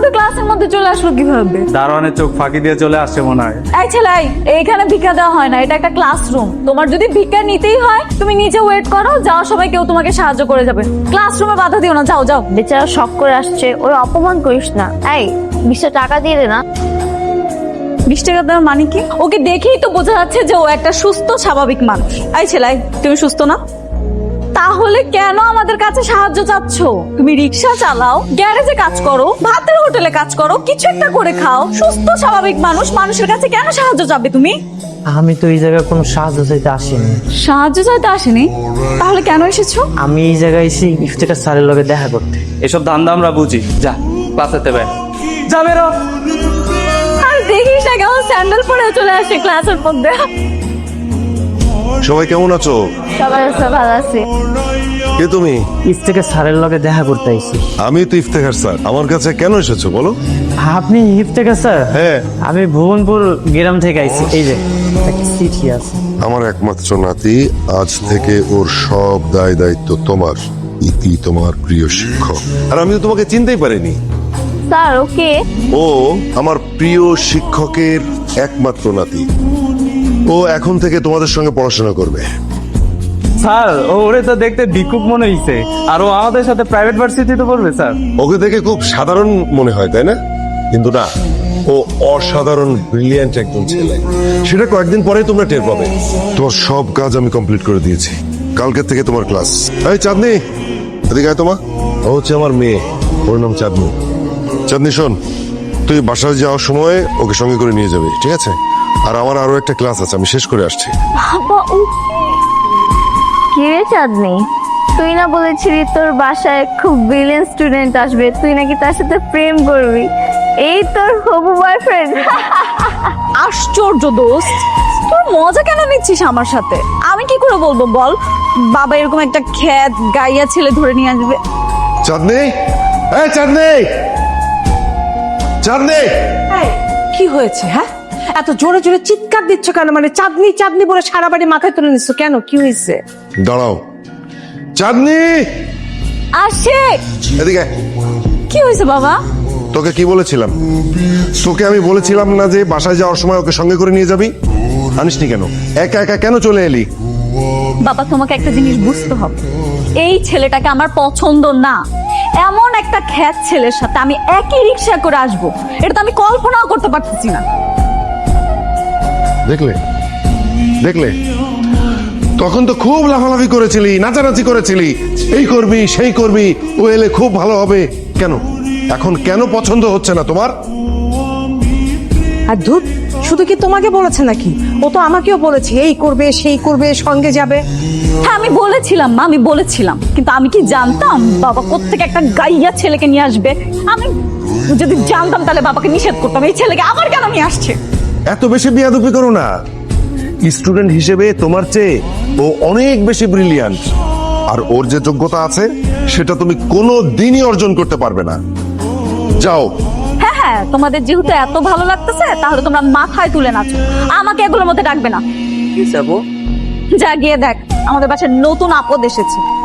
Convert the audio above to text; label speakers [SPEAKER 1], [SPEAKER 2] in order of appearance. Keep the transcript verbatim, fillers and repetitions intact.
[SPEAKER 1] আমাদের ক্লাসের মধ্যে চলে আসলো কিভাবে?
[SPEAKER 2] দারোয়ানের চোখ ফাঁকি দিয়ে চলে আসছে মনে হয়।
[SPEAKER 1] এই ছেলে, এইখানে ভিক্ষা দেওয়া হয় না, এটা একটা ক্লাসরুম। তোমার যদি ভিক্ষা নিতেই হয় তুমি নিচে ওয়েট করো, যাওয়ার সময় কেউ তোমাকে সাহায্য করে যাবে। ক্লাসরুমে বাধা দিও না, যাও যাও।
[SPEAKER 3] বেচারা শখ করে আসছে, ওর অপমান করিস না। এই বিশটা টাকা দিয়ে দে না।
[SPEAKER 1] বিশ টাকা দেওয়ার মানে কি? ওকে দেখেই তো বোঝা যাচ্ছে যে ও একটা সুস্থ স্বাভাবিক মানুষ। এই ছেলে, তুমি সুস্থ না? তাহলে কেন আমাদের কাছে সাহায্য চাচ্ছ? তুমি রিক্সা চালাও, গ্যারেজে কাজ করো, ভাতের হোটেলে কাজ করো, কিছু একটা করে খাও। সুস্থ স্বাভাবিক মানুষ, মানুষের কাছে কেন সাহায্য চাবে তুমি?
[SPEAKER 4] আমি তো এই জায়গায় কোনো সাহায্য চাইতে আসিনি।
[SPEAKER 1] সাহায্য চাইতে আসেনি? তাহলে কেন এসেছো?
[SPEAKER 4] আমি এই জায়গায় এসে ইফতেখার স্যারের লগে দেখা করতে।
[SPEAKER 2] এসব ধান্দা আমরা বুঝি। যা ক্লাসেতে বের যা, বেরো।
[SPEAKER 1] আর দেখিস না কেমন স্যান্ডেল পরে চলে আসে ক্লাসের মধ্যে।
[SPEAKER 5] সবাই কেমন আছো?
[SPEAKER 3] সবাই ভালো আছে।
[SPEAKER 5] কে তুমি?
[SPEAKER 4] ইফতেখার স্যারের লগে দেখা করতে আইছি।
[SPEAKER 5] আমি তো ইফতেখার স্যার। আমার কাছে কেন এসেছো বলো?
[SPEAKER 4] আপনি ইফতেখার স্যার?
[SPEAKER 5] হ্যাঁ।
[SPEAKER 4] আমি ভুবনপুর গ্রাম থেকে আইছি। এই যে একটা চিঠি আছে।
[SPEAKER 5] আমার একমাত্র নাতি, আজ থেকে ওর সব দায় দায়িত্ব তোমার। ইতি তোমার প্রিয় শিক্ষক। আর আমি তো তোমাকে চিনতেই পারিনি।
[SPEAKER 3] Sir okay.
[SPEAKER 5] ও আমার প্রিয় শিক্ষকের একমাত্র নাতি। ও এখন থেকে তোমাদের সঙ্গে পড়াশোনা করবে।
[SPEAKER 2] স্যার ওরে তো দেখতে ভিক্ষুক মনে হইছে, আর ও আমাদের সাথে প্রাইভেট ভার্সিটিতে পড়বে স্যার।
[SPEAKER 5] ওকে দেখে খুব সাধারণ মনে হয়, তাই না? কিন্তু না, ও অসাধারণ ব্রিলিয়ান্ট একজন ছেলে। সেটা কয়েকদিন পরেই তোমরা টের পাবে। তোমার সব কাজ আমি কমপ্লিট করে দিয়েছি। কালকে থেকে তোমার ক্লাস। এই চাঁদনি, এদিকে আয়। তোমার ও হচ্ছে আমার মেয়ে, ওর নাম চাঁদনি। চাঁদনি শোন, তুই বাসায় যাওয়ার সময় ওকে সঙ্গে করে নিয়ে যাবি, ঠিক আছে? আর আমার আরো একটা ক্লাস আছে, আমি শেষ করে আসছি।
[SPEAKER 3] বাবা ও কি রে চাঁদনি, তুই না বলেছিলি তোর বাসায় খুব ব্রিলিয়েন্ট স্টুডেন্ট আসবে, তুই নাকি তার সাথে প্রেম করবি? এই তোর হবু বয়ফ্রেন্ড।
[SPEAKER 1] আশ্চর্য দোস্ত, তোর মজা কেন নিচ্ছিস আমার সাথে? আমি কি করে বলবো বল? বাবা এরকম একটা খ্যাত গাইয়া ছেলে ধরে নিয়ে আসবে।
[SPEAKER 5] চাঁদনি, এই চাঁদনি, চাঁদনি।
[SPEAKER 6] কি হয়েছে? হ্যাঁ, এত জোরে জোরে চিৎকার দিচ্ছ কেন? মানে চাঁদনি চাঁদনি বলে সারা বাড়ি মাথায় তুলে নিচ্ছ কেন? কি হয়েছে?
[SPEAKER 5] দাঁড়াও চাঁদনি,
[SPEAKER 1] আসে।
[SPEAKER 5] এদিকে।
[SPEAKER 1] কি হয়েছে বাবা?
[SPEAKER 5] তোকে কি বলেছিলাম? তোকে আমি বলেছিলাম না যে বাসায় যাওয়ার সময় ওকে সঙ্গে করে নিয়ে যাবি? আনিসনি কেন? একা একা কেন চলে এলি?
[SPEAKER 1] বাবা তোমাকে একটা জিনিস বুঝতে হবে, এই ছেলেটাকে আমার পছন্দ না। এমন একটা খ্যাত ছেলের সাথে আমি একই রিক্সা করে আসবো, এটা তো আমি কল্পনাও করতে পারতেছি না।
[SPEAKER 5] দেখলে দেখলে তখন তো খুব লাফালাফি করেছিলি, নাচানাচি করেছিলি, এই করবি সেই করবি, ও এলে খুব ভালো হবে। কেন এখন কেন পছন্দ হচ্ছে না তোমার?
[SPEAKER 6] আর ধুত, শুধু কি তোমাকে বলেছে নাকি? ও তো আমাকেও বলেছে এই করবে সেই করবে, সঙ্গে যাবে।
[SPEAKER 1] হ্যাঁ আমি বলেছিলাম মা, আমি বলেছিলাম, কিন্তু আমি কি জানতাম বাবা কোত্থেকে একটা গাইয়া ছেলেকে নিয়ে আসবে? আমি যদি জানতাম তাহলে বাবাকে নিষেধ করতাম। এই ছেলেকে আবার কেন নিয়ে আসছে?
[SPEAKER 5] এত বেশি বিয়াদবি করো না। স্টুডেন্ট হিসেবে তোমার চেয়ে ও অনেক বেশি ব্রিলিয়ান্ট, আর ওর যে যোগ্যতা আছে সেটা তুমি কোনো দিনই অর্জন করতে পারবে না। যাও।
[SPEAKER 1] হ্যাঁ হ্যাঁ, তোমাদের যেহেতু এত ভালো লাগতেছে তাহলে তোমরা মাথায় তুলে নাচো, আমাকে এগুলোর মধ্যে ডাকবে না।
[SPEAKER 4] কি যাবো?
[SPEAKER 1] যা গিয়ে দেখ আমাদের বাসায় নতুন আপদ এসেছে।